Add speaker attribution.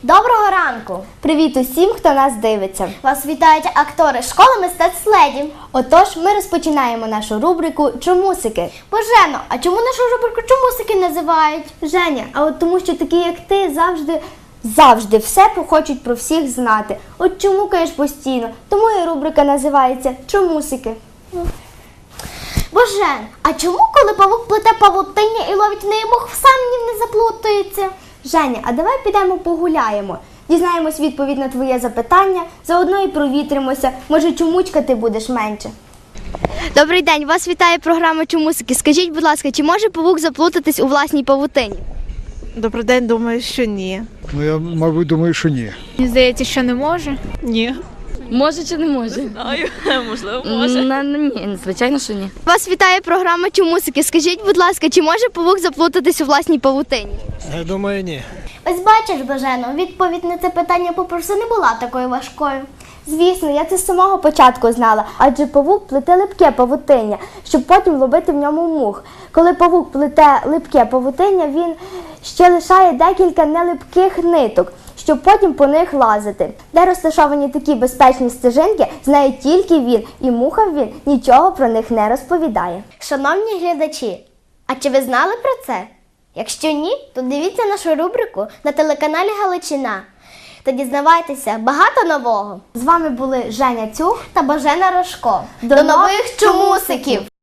Speaker 1: Доброго ранку!
Speaker 2: Привіт усім, хто нас дивиться.
Speaker 1: Вас вітають актори школи мистецтв «Леді».
Speaker 2: Отож, ми розпочинаємо нашу рубрику «Чомусики».
Speaker 1: Божено, а чому нашу рубрику «Чомусики» називають?
Speaker 2: Женя, а от тому, що такі, як ти, завжди все хочуть про всіх знати. От чомукаєш постійно, тому і рубрика називається «Чомусики».
Speaker 1: Божен, а чому, коли павук плете павутиння і ловить в неї мух, сам ні не заплутається?
Speaker 2: Женя, а давай підемо погуляємо. Дізнаємось відповідь на твоє запитання, заодно і провітримося. Може, чомучкати будеш менше. Добрий день, вас вітає програма «Чомусики». Скажіть, будь ласка, чи може павук заплутатись у власній павутині?
Speaker 3: Добрий день, думаю, що ні.
Speaker 4: Ну, я, мабуть, думаю, що ні.
Speaker 5: Мені здається, що не може.
Speaker 3: Ні.
Speaker 6: Може чи не може?
Speaker 3: Знаю, можливо, може.
Speaker 6: Ні, звичайно, що ні.
Speaker 2: Вас вітає програма «Чомусики». Скажіть, будь ласка, чи може павук заплутатись у власній павутині?
Speaker 4: Я думаю, ні.
Speaker 1: Ось бачиш, Божено, відповідь на це питання попросту не була такою важкою.
Speaker 2: Звісно, я це з самого початку знала, адже павук плете липке павутиння, щоб потім ловити в ньому мух. Коли павук плете липке павутиння, він ще лишає декілька нелипких ниток, щоб потім по них лазити. Де розташовані такі безпечні стежинки, знає тільки він, і мухам він нічого про них не розповідає.
Speaker 1: Шановні глядачі, а чи ви знали про це? Якщо ні, то дивіться нашу рубрику на телеканалі Галичина та дізнавайтеся багато нового.
Speaker 2: З вами були Женя Цюх
Speaker 1: Та Божена Рожко.
Speaker 2: До нових чомусиків!